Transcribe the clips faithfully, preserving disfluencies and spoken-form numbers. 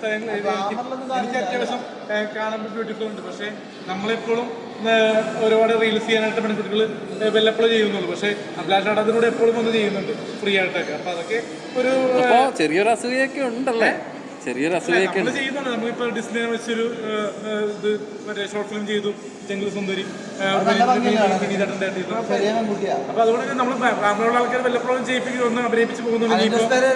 എനിക്ക് അത്യാവശ്യം കാണുമ്പോൾ ബ്യൂട്ടിഫുൾ ഉണ്ട്. പക്ഷേ നമ്മളെപ്പോഴും ഒരുപാട് റീൽസ് ചെയ്യാനായിട്ട് പെൺകുട്ടികൾ വല്ലപ്പോഴും ചെയ്യുന്നുള്ളൂ. പക്ഷേ അഭിലാഷ് അതിലൂടെ എപ്പോഴും ഒന്ന് ചെയ്യുന്നുണ്ട് ഫ്രീ ആയിട്ടൊക്കെ. അപ്പൊ അതൊക്കെ ഒരു ചെറിയൊരു അസൂയൊക്കെ ഉണ്ടല്ലേ, ചെറിയൊരു അസൂയൊക്കെ ചെയ്യുന്നുണ്ട്. നമ്മളിപ്പോ ഡിസ്നെ വെച്ചൊരു ഇത് മറ്റേ ഷോർട്ട് ഫിലിം ചെയ്തു, ജംഗിൾ സുന്ദരി. അപ്പൊ അതുകൊണ്ട് നമ്മൾ ഗ്രാമീണ ആൾക്കാർ വല്ലപ്പോഴും ചെയ്യിപ്പിക്കും ഒന്ന് അഭിനയിപ്പിച്ച് പോകുന്നുണ്ട്.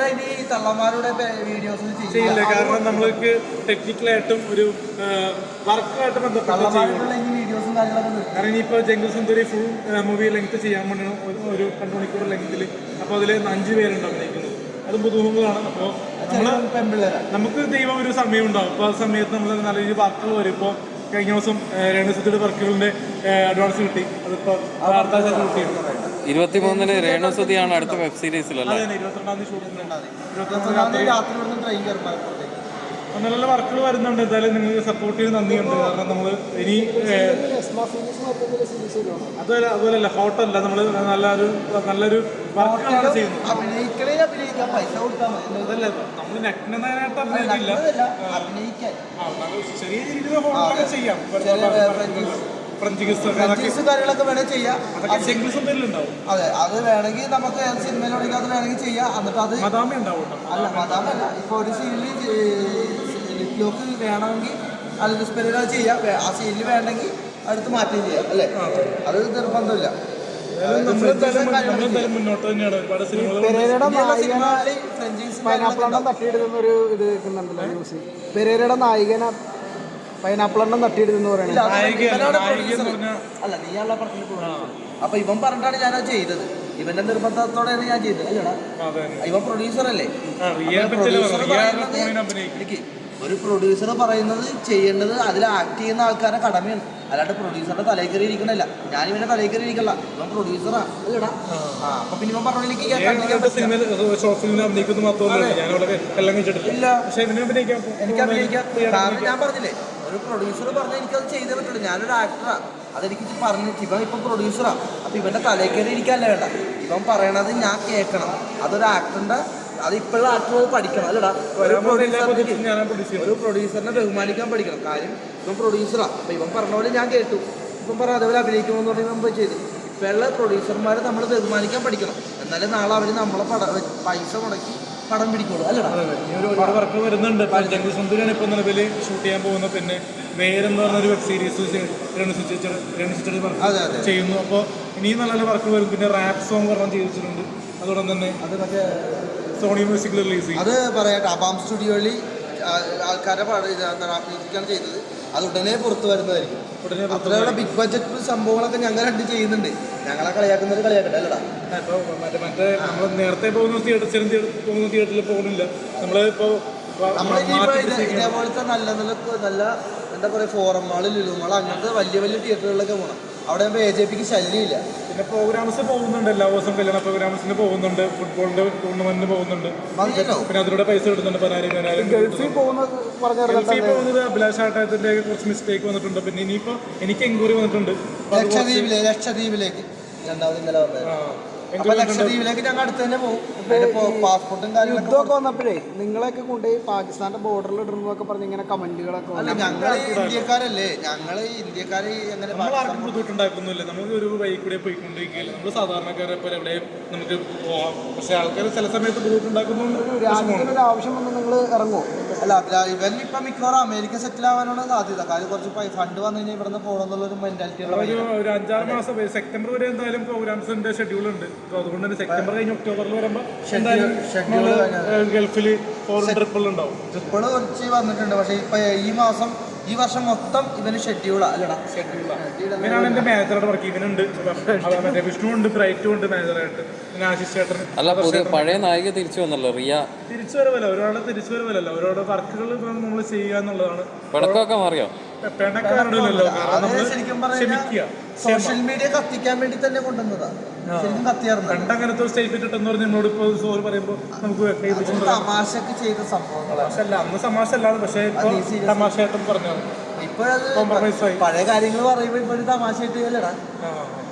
ചെയ്യില്ല, കാരണം നമ്മൾക്ക് ടെക്നിക്കലായിട്ടും ഒരു വർക്കുമായിട്ട് ബന്ധപ്പെട്ട് ചെയ്യും. കാരണം ഇനിയിപ്പോ jungle Sundari full movie length ചെയ്യാൻ വേണ്ടി ഒരു രണ്ട് മണിക്കൂർ ലെങ്ത്തിൽ. അപ്പൊ അതില് അഞ്ചു പേരുണ്ട് അഭിനയിക്കുന്നത്. അതും പുതുമുഖങ്ങളാണ്. അപ്പോൾ നമ്മള് നമുക്ക് ദൈവം ഒരു സമയം ഉണ്ടാവും. അപ്പോൾ ആ സമയത്ത് നമ്മൾ നല്ല രീതിയിൽ വർക്കുകൾ വരും. ഇപ്പോൾ കഴിഞ്ഞ ദിവസം രേണുസുതിയുടെ വർക്കുകളുടെ അഡ്വാൻസ് കിട്ടി. അതിപ്പോൾ ഇരുപത്തി മൂന്നിന് രേണുസുതിയാണ് അടുത്ത വെബ് സീരീസിലല്ലേ? ഇരുപത്തിരണ്ടാം തീയതി ഷൂട്ടിംഗ്. നല്ല നല്ല വർക്കുകൾ വരുന്നുണ്ട്. എന്തായാലും നിങ്ങൾക്ക് സപ്പോർട്ട് ചെയ്ത് നന്ദിയുണ്ട്. കാരണം നമ്മൾ ഇനി അതുപോലെ അതുപോലെയല്ല ഹോട്ടല്ല, നമ്മൾ നല്ലൊരു നല്ലൊരു വർക്കുകളാണ് ചെയ്യുന്നത്. അതല്ല നമ്മൾ നഗ്നനായിട്ട് അഭിനയിക്കില്ല, ചെറിയ രീതിയിൽ ഹോട്ടലൊക്കെ ചെയ്യാം. കാര്യങ്ങളൊക്കെ വേണമെങ്കിൽ ചെയ്യാം. ഉണ്ടാവും. അതെ, അത് വേണമെങ്കിൽ നമുക്ക് സിനിമയിലൂടെ അത് വേണമെങ്കിൽ ചെയ്യാം. എന്നിട്ട് അത് അല്ല മതാമല്ല, ഇപ്പൊ ഒരു സീനിൽ ലിപ് ലോക്ക് വേണമെങ്കിൽ അലിസ് പെരേര ചെയ്യാം. ആ സീനിൽ വേണമെങ്കിൽ അടുത്ത് മാറ്റുകയും ചെയ്യാം. അല്ലേ, അത് നിർബന്ധമില്ല. പൈനാപ്പിളെണ്ണം തട്ടിയിടുന്നൊരു ഇത് കേൾക്കുന്നുണ്ടല്ലോ ന്യൂസ്. പെരേരയുടെ നായികനെ പൈനാപ്പിളെണ്ണം തട്ടിയിടുന്നു പറയുന്നത്. അല്ല, നീയുള്ള പടത്തിൽ. അപ്പൊ ഇവൻ പറഞ്ഞിട്ടാണ് ഞാനത് ചെയ്തത്. ഇവന്റെ നിർബന്ധത്തോടെയാണ് ഞാൻ ചെയ്തത്. അല്ലടാ, ഇവൻ പ്രൊഡ്യൂസർ അല്ലേ? എനിക്ക് ഒരു പ്രൊഡ്യൂസർ പറയുന്നത് ചെയ്യേണ്ടത് അതിൽ ആക്ട് ചെയ്യുന്ന ആൾക്കാരുടെ കടമയാണ്. അല്ലാണ്ട് പ്രൊഡ്യൂസറുടെ തലയിൽ കയറി ഇരിക്കണല്ല. ഞാൻ ഇവന്റെ തലയിൽ കയറി ഇരിക്കല്ല. ഇവൻ പ്രൊഡ്യൂസറാ. അല്ലടാ, അപ്പൊ പിന്നെ ഇവൻ പറഞ്ഞ എനിക്ക് എനിക്ക് അഭിനയിക്കാം. കാരണം ഞാൻ പറഞ്ഞില്ലേ, ഒരു പ്രൊഡ്യൂസർ പറഞ്ഞാൽ എനിക്കത് ചെയ്തേ പറ്റുള്ളൂ. ഞാനൊരു ആക്ടറാ, അതെനിക്ക് പറഞ്ഞു. ഇവൻ ഇപ്പം പ്രൊഡ്യൂസറാ. അപ്പൊ ഇവന്റെ തലയിൽ കയറി ഇരിക്കാനല്ല വേണ്ട. ഇവൻ പറയണത് ഞാൻ കേൾക്കണം. അതൊരു ആക്ടറിന്റെ, അത് ഇപ്പോഴുള്ള ആക്ടർ പഠിക്കണം. അല്ലടാ, ഒരു പ്രൊഡ്യൂസറിനെ ഒരു പ്രൊഡ്യൂസറിനെ ബഹുമാനിക്കാൻ പഠിക്കണം. കാര്യം ഇവൻ പ്രൊഡ്യൂസറാ. അപ്പൊ ഇവൻ പറഞ്ഞ പോലെ ഞാൻ കേട്ടു. ഇപ്പം പറഞ്ഞ അതേപോലെ അഭിനയിക്കണമെന്ന് പറഞ്ഞാൽ നമ്മൾ ചെയ്തു. ഇപ്പോഴുള്ള പ്രൊഡ്യൂസർമാരെ നമ്മൾ ബഹുമാനിക്കാൻ പഠിക്കണം. എന്നാലും നാളെ അവർ നമ്മളെ പട പൈസ മുടക്കി പടം പിടിക്കുള്ളൂ. അല്ലടാ, ഒരുപാട് വർക്കുകൾ വരുന്നുണ്ട്. ജംഗിൾ സുന്ദരിയാണ് ഇപ്പോൾ നിലവിൽ ഷൂട്ട് ചെയ്യാൻ പോകുന്നത്. പിന്നെ വേരെന്ന് പറഞ്ഞൊരു വെബ് സീരീസ് ചെയ്യുന്നു. അപ്പോൾ ഇനിയും നല്ല നല്ല വർക്കുകൾ വരും. പിന്നെ റാപ്പ് സോങ് പറഞ്ഞാൽ ചെയ്തിട്ടുണ്ട്. അതോടൊപ്പം തന്നെ അത് മറ്റേ സോണി മ്യൂസിക്കിൽ റിലീസ് ചെയ്യും. അത് പറയട്ടെ, അബാം സ്റ്റുഡിയോയിൽ ആൾക്കാരെ മ്യൂസിക്കാണ് ചെയ്തത്. അത് ഉടനെ പുറത്തു വരുന്നതായിരിക്കും. ഉടനെ ബിഗ് ബഡ്ജറ്റ് സംഭവങ്ങളൊക്കെ ഞങ്ങൾ രണ്ട് ചെയ്യുന്നുണ്ട്. ഞങ്ങളെ കളിയാക്കുന്നത് കളിയാക്കട്ടെ. അല്ലടാ, മറ്റേ മറ്റേ നമ്മൾ നേരത്തെ പോകുന്ന തിയേറ്റർ ചെറിയ പോകുന്ന തിയേറ്ററിൽ പോകുന്നില്ല. നമ്മൾ ഇപ്പോൾ നമ്മൾ ഇതേപോലത്തെ നല്ല നല്ല നല്ല എന്താ പറയുക ഫോറം ലുലു മാൾ അങ്ങനത്തെ വലിയ വലിയ തിയേറ്ററുകളിലൊക്കെ പോകണം. അവിടെ ആകുമ്പോൾ എ ജെ പിക്ക് ശല്യമില്ല. പിന്നെ പ്രോഗ്രാംസ് പോകുന്നുണ്ട്. എല്ലാ ദിവസവും കല്യാണ പ്രോഗ്രാംസിന് പോകുന്നുണ്ട്, ഫുട്ബോളിന്റെ ടൂർണമെന്റിന് പോകുന്നുണ്ട്. പിന്നെ അതിലൂടെ പൈസ കിട്ടുന്നുണ്ട്. പതിനായിരം ഗൾഫിൽ പോകുന്നത് ഗൾഫിൽ പോകുന്നത് അഭിലാഷ് ആട്ടത്തിന്റെ കുറച്ച് മിസ്റ്റേക്ക് വന്നിട്ടുണ്ട്. പിന്നെ ഇനിയിപ്പോ എനിക്ക് എൻക്വയറി വന്നിട്ടുണ്ട് ലക്ഷദ്വീപിലെ ലക്ഷദ്വീപിലേക്ക് രണ്ടാമത് ഇന്നലെ വന്നത്. അപ്പൊ ലക്ഷദ്വീപിലേക്ക് ഞങ്ങൾ അടുത്ത് തന്നെ പോകും. പാസ്പോർട്ടും കാര്യങ്ങളൊക്കെ യുദ്ധമൊക്കെ വന്നപ്പോഴേ നിങ്ങളെയൊക്കെ കൊണ്ടുപോയി പാകിസ്ഥാന്റെ ബോർഡറിൽ ഇടുന്നതൊക്കെ പറഞ്ഞ് ഇങ്ങനെ കമന്റുകളൊക്കെ. അല്ല, ഞങ്ങള് ഇന്ത്യക്കാരല്ലേ, ഞങ്ങള് ഇന്ത്യക്കാര് എങ്ങനെ ആർക്കും ബുദ്ധിമുട്ടുണ്ടാക്കുന്നില്ല. നമുക്ക് ഒരു വഴി കൂടെ പോയിക്കൊണ്ടിരിക്കുകയില്ല. നമ്മൾ സാധാരണക്കാരെ പോലെ എവിടെയും നമുക്ക് പോവാം. പക്ഷെ ആൾക്കാർ ചില സമയത്ത് ബുദ്ധിമുട്ടുണ്ടാക്കുന്നുണ്ട്. രാജ്യത്തിനൊരു ആവശ്യം വന്ന് നിങ്ങൾ ഇറങ്ങുമോ? അല്ല, ഇവൻ ഇപ്പൊ മിക്കവാറും അമേരിക്ക സെറ്റിൽ ആവാനാണ് സാധ്യത. കാര്യം കുറച്ച് ഫണ്ട് വന്നു കഴിഞ്ഞാൽ ഇവിടുന്ന് പോകണമെന്നുള്ളൊരു മെന്റാലിറ്റി. ഒരു അഞ്ചാറ് മാസം സെപ്റ്റംബർ വരെ എന്തായാലും പ്രോഗ്രാംസിന്റെ ഷെഡ്യൂൾ ഉണ്ട്. അതുകൊണ്ട് തന്നെ സെപ്റ്റംബർ കഴിഞ്ഞ് ഒക്ടോബറിൽ വരുമ്പോൾ ഗൾഫിൽ ഫോറിൻ ട്രിപ്പുകൾ ഉണ്ടാവും. ട്രിപ്പുകൾ കുറച്ച് വന്നിട്ടുണ്ട്. പക്ഷേ ഇപ്പൊ ഈ മാസം ഈ വർഷം മൊത്തം ഇവന് ഷെഡ്യൂളാ. അല്ലടാ, ഷെഡ്യൂളാണ്. ഇവനാണ് എന്റെ മാനേജറുടെ വർക്ക്. ഇവനുണ്ട്, മറ്റേ വിഷ്ണു ഉണ്ട്, ബ്രൈറ്റും ഉണ്ട് മാനേജറായിട്ട്. പിന്നെ ആശിഷ് ചേട്ടൻ. അല്ല, പഴയ നായിക തിരിച്ചു വന്നല്ലോ റിയ. തിരിച്ചു വരവല്ല, ഒരാളെ തിരിച്ചു വരവല്ല. അവരോട് വർക്കുകൾ നമ്മൾ ചെയ്യുക എന്നുള്ളതാണ്. പടക്കമൊക്കെ മാറിയോ? ശരിക്കും പറഞ്ഞാൽ സോഷ്യൽ മീഡിയ കത്തിക്കാൻ വേണ്ടി തന്നെ കൊണ്ടുവന്നതാണ്. ശരിക്കും കത്തിയായിരുന്നു. രണ്ടങ്ങനത്തെ സ്റ്റേറ്റ്മെന്റ് ഇട്ടെന്ന് പറഞ്ഞ് എന്നോട് ഇപ്പോൾ സോറി പറയുമ്പോൾ നമുക്ക് തമാശക്ക് ചെയ്ത സംഭവങ്ങളല്ല. അന്ന് തമാശ അല്ലാതെ, പക്ഷേ തമാശയായിട്ടും പറഞ്ഞാൽ ഇപ്പോഴത് പഴയ കാര്യങ്ങൾ പറയുമ്പോൾ ഇപ്പോഴും തമാശയായിട്ട് അല്ലടാ.